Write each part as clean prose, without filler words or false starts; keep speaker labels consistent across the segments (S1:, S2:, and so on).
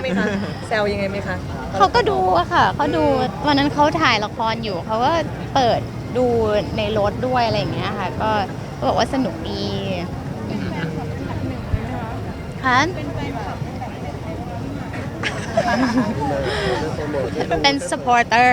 S1: ไหมคะแซวยังไงไหมคะ
S2: เขาก็ดูอะค่ะเขาดูวันนั้นเขาถ่ายละครอยู่เขาก็เปิดดูในรถด้วยอะไรอย่างเงี้ยค่ะก็บอกว่าสนุกดีค่ะเป็น supporter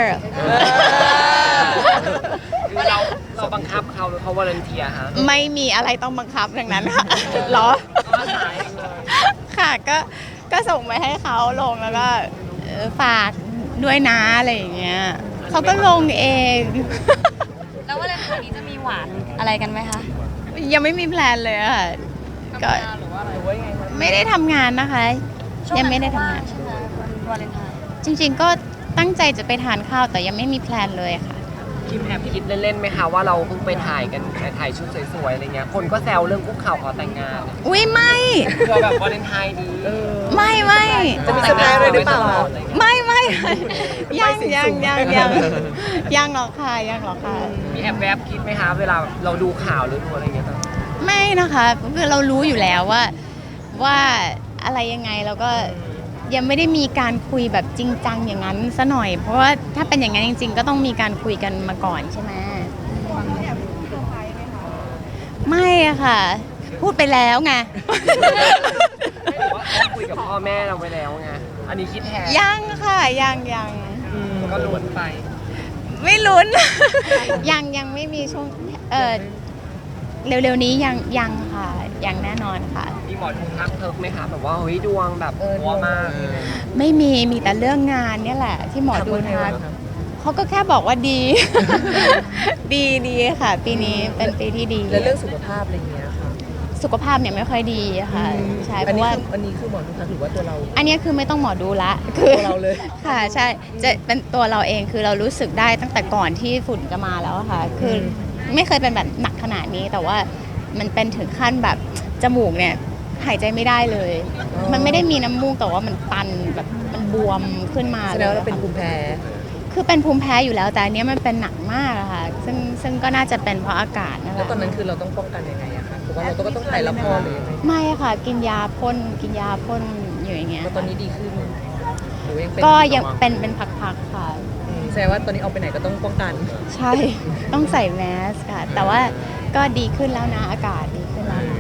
S3: เราบังคับเขาหรือเขาวอลันเทียฮะ
S2: ไม่มีอะไรต้องบังคับดังนั้นค่ะเหรอ
S3: เขาถ่ายเองเลย
S2: ค่ะก็ส่งไปให้เขาลงแล้วก็ฝากด้วยนะอะไรอย่างเงี้ยเขาก็ลงเอง
S4: แล้ววาเลนไทน์นี้จะมีหวานอะไรกันไหมคะ
S2: ยังไม่มีแพลนเลยอะค่ะก็ไม่ได้ทำงานนะคะ ยังไม่ได้ทำงาน
S4: ใช่ไหมวันวาเลนไทน์
S2: จริงๆก็ตั้งใจจะไปทานข้าวแต่ยังไม่มีแพลนเลยค่ะ
S3: คิมแอบคิดเล่นๆไหมคะว่าเราเพิ่งไปถ่ายกันไปถ่ายชุดสวยๆอะไรเงี้ยคนก็แซวเรื่องคุกเข่าขอแต่งงาน
S2: อุ้ยไม่
S3: เพื่อแบบวาเลนไทน์ดี
S2: ไม่
S1: จะมีเซอร์ไพรส์อะไรหรือเปล่าคะ
S2: ไม่ยังหรอกค่ะยังหรอกค่ะ
S3: มีแอบแวบคิดไหมคะเวลาเราดูข่าวหรือดูอะไรเงี้ย
S2: ไม่นะคะคือเรารู้อยู่แล้วว่าอะไรยังไงเราก็ยังไม่ได้มีการคุยแบบจริงจังอย่างนั้นซะหน่อย เพราะว่าถ้าเป็นอย่างนั้นจริงๆ ก็ต้องมีการคุยกันมาก่อนใช่ไหมไม่อะค่ะ พูดไปแล้วไง
S3: ไม่รู้ว่าเขาคุยกับพ่อแม่เราไปแล้วไงอันนี้คิดแทน
S2: ยังค่ะยัง
S3: ก็ล้วนไป
S2: ไม่ลุ้น ยังไม่มีช่วงเร็วๆนี้ยังค่ะยังแน่นอนค่ะ
S3: มีหมอดูทักเทิกไหมคะแบบว่าเฮ้ยดวงแบบหัวมาก
S2: ไม่มีแต่เรื่องงานเนี่ยแหละ ที่หมอดูทักเขาก็แค่บอกว่าดี ดีค่ะ ปีนี้เป็นปีที่ดี
S1: แล้วเรื่องสุขภาพอะไรอย่างเงี้ยค่ะ
S2: สุขภาพเนี่ยไม่ค่อยดีค่ะใช่เพ
S1: อัน
S2: ราะ
S1: นี้
S2: ว่า
S1: คืออันนี้คือหมอดูทักหรือว่าตัวเรา
S2: อันนี้คือไม่ต้องหมอดูละคือ
S1: ตัวเราเลย
S2: ค่ะใช่จะเป็นตัวเราเองคือเรารู้สึกได้ตั้งแต่ก่อนที่ฝุ่นจะมาแล้วอะค่ะ คือไม่เคยเป็นแบบหนักขนาดนี้แต่ว่ามันเป็นถึงขั้นแบบจมูกเนี่ยหายใจไม่ได้เลย มันไม่ได้มีน้ำมูกแต่ว่ามันตันแบบมันบวมขึ้นมา
S1: แส
S2: เล
S1: ด
S2: ย
S1: งว่าเราเป็น
S2: ค่ะ
S1: ภูมิแพ้
S2: คือเป็นภูมิแพ้อยู่แล้วแต่อันเนี้ยมันเป็นหนักมากอะค่ะซึ่งก็น่าจะเป็นเพราะอากาศนั่นแห
S1: แล้ว
S2: ละ
S1: ตอนนั้นคือเราต้องป้องกันยังไงอะคะเพราะว่าเราก็ต้องถ่ายละครหรือยังไง
S2: ไม่อะค่ะกินยาพ่นอยู่อย่างเงี้ย
S1: แล้วตอนนี้ดีขึ้นหรือว่ายังเป็น
S2: ก็ยังเป็นพักๆค่ะ
S1: แสดงว่าตอนนี้เอาไปไหนก็ต้องป้องกัน
S2: ใช่ ต้องใส่แมสค่ะ แต่ว่าก็ดีขึ้นแล้วนะ อากาศดีขึ้นแล้วนะ